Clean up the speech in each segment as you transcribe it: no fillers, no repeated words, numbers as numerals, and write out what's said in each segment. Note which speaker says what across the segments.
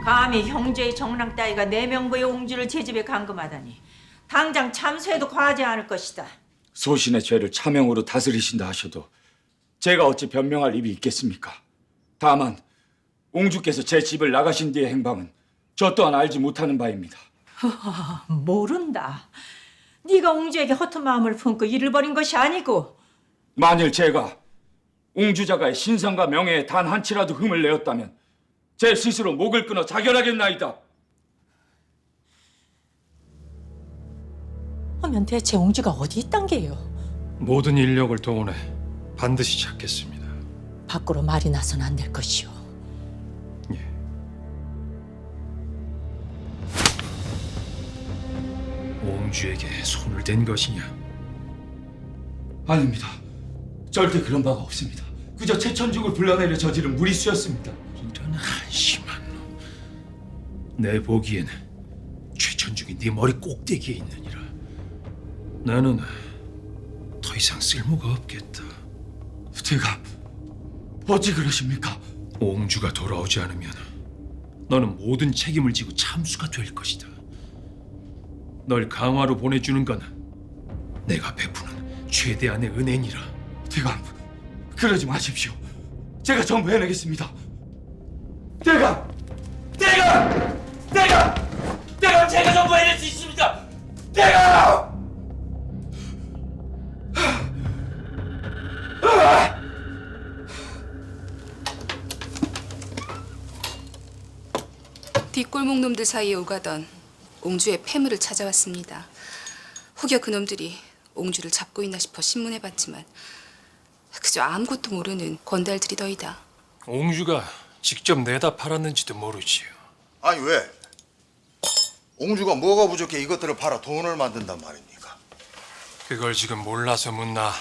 Speaker 1: 감히 형제의 정랑 따위가 내 명부의 옹주를 제 집에 감금하다니 당장 참수해도 과하지 않을 것이다.
Speaker 2: 소신의 죄를 차명으로 다스리신다 하셔도 제가 어찌 변명할 입이 있겠습니까? 다만 옹주께서 제 집을 나가신 뒤의 행방은 저 또한 알지 못하는 바입니다.
Speaker 1: 모른다. 네가 옹주에게 허튼 마음을 품고 일을 벌인 것이 아니고
Speaker 2: 만일 제가 옹주자가의 신상과 명예에 단 한치라도 흠을 내었다면 제 스스로 목을 끊어 자결하겠나이다.
Speaker 1: 하면 대체 옹주가 어디 있단 게요?
Speaker 3: 모든 인력을 동원해 반드시 찾겠습니다.
Speaker 1: 밖으로 말이 나선 안 될 것이오.
Speaker 3: 예. 옹주에게 손을 댄 것이냐?
Speaker 2: 아닙니다. 절대 그런 바가 없습니다. 그저 최천중을 불러내려 저지른 무리수였습니다.
Speaker 3: 이런 한심한 놈. 내 보기엔 최천중이 네 머리 꼭대기에 있느니라. 나는 더 이상 쓸모가 없겠다.
Speaker 2: 대감, 어찌 그러십니까?
Speaker 3: 옹주가 돌아오지 않으면 너는 모든 책임을 지고 참수가 될 것이다. 널 강화로 보내주는 건 내가 베푸는 최대한의 은혜니라.
Speaker 2: 대감, 그러지 마십시오. 제가 전부 해내겠습니다. 대감! 대감! 대감! 대감, 제가 전부 해낼 수 있습니다! 대감!
Speaker 4: 뒷골목 놈들 사이에 오가던 옹주의 폐물을 찾아왔습니다. 혹여 그놈들이 옹주를 잡고 있나 싶어 신문해봤지만 그저 아무것도 모르는 건달들이더이다.
Speaker 3: 옹주가 직접 내다 팔았는지도 모르지요.
Speaker 5: 아니 왜? 옹주가 뭐가 부족해 이것들을 팔아 돈을 만든단 말입니까?
Speaker 3: 그걸 지금 몰라서 묻나.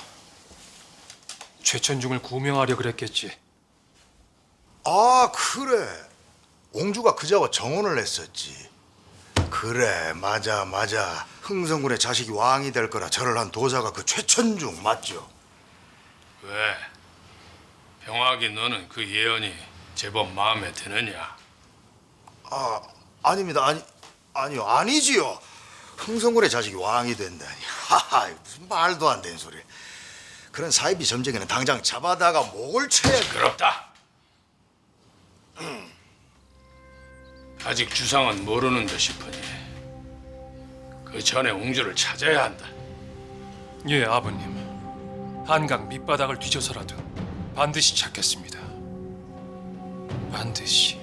Speaker 3: 최천중을 구명하려 그랬겠지.
Speaker 5: 아 그래. 옹주가 그자와 정혼을 했었지. 그래 맞아. 흥성군의 자식이 왕이 될 거라 절을 한 도사가 그 최천중 맞죠?
Speaker 6: 왜? 병학이 너는 그 예언이 제법 마음에 드느냐?
Speaker 5: 아 아닙니다. 아니요 아니지요. 흥성군의 자식이 왕이 된다니. 하하 무슨 말도 안 되는 소리. 그런 사이비 점쟁이는 당장 잡아다가 목을 쳐야
Speaker 6: 그렇다. 아직 주상은 모르는 듯 싶으니 그 전에 옹주를 찾아야 한다.
Speaker 3: 예, 아버님. 한강 밑바닥을 뒤져서라도 반드시 찾겠습니다. 반드시.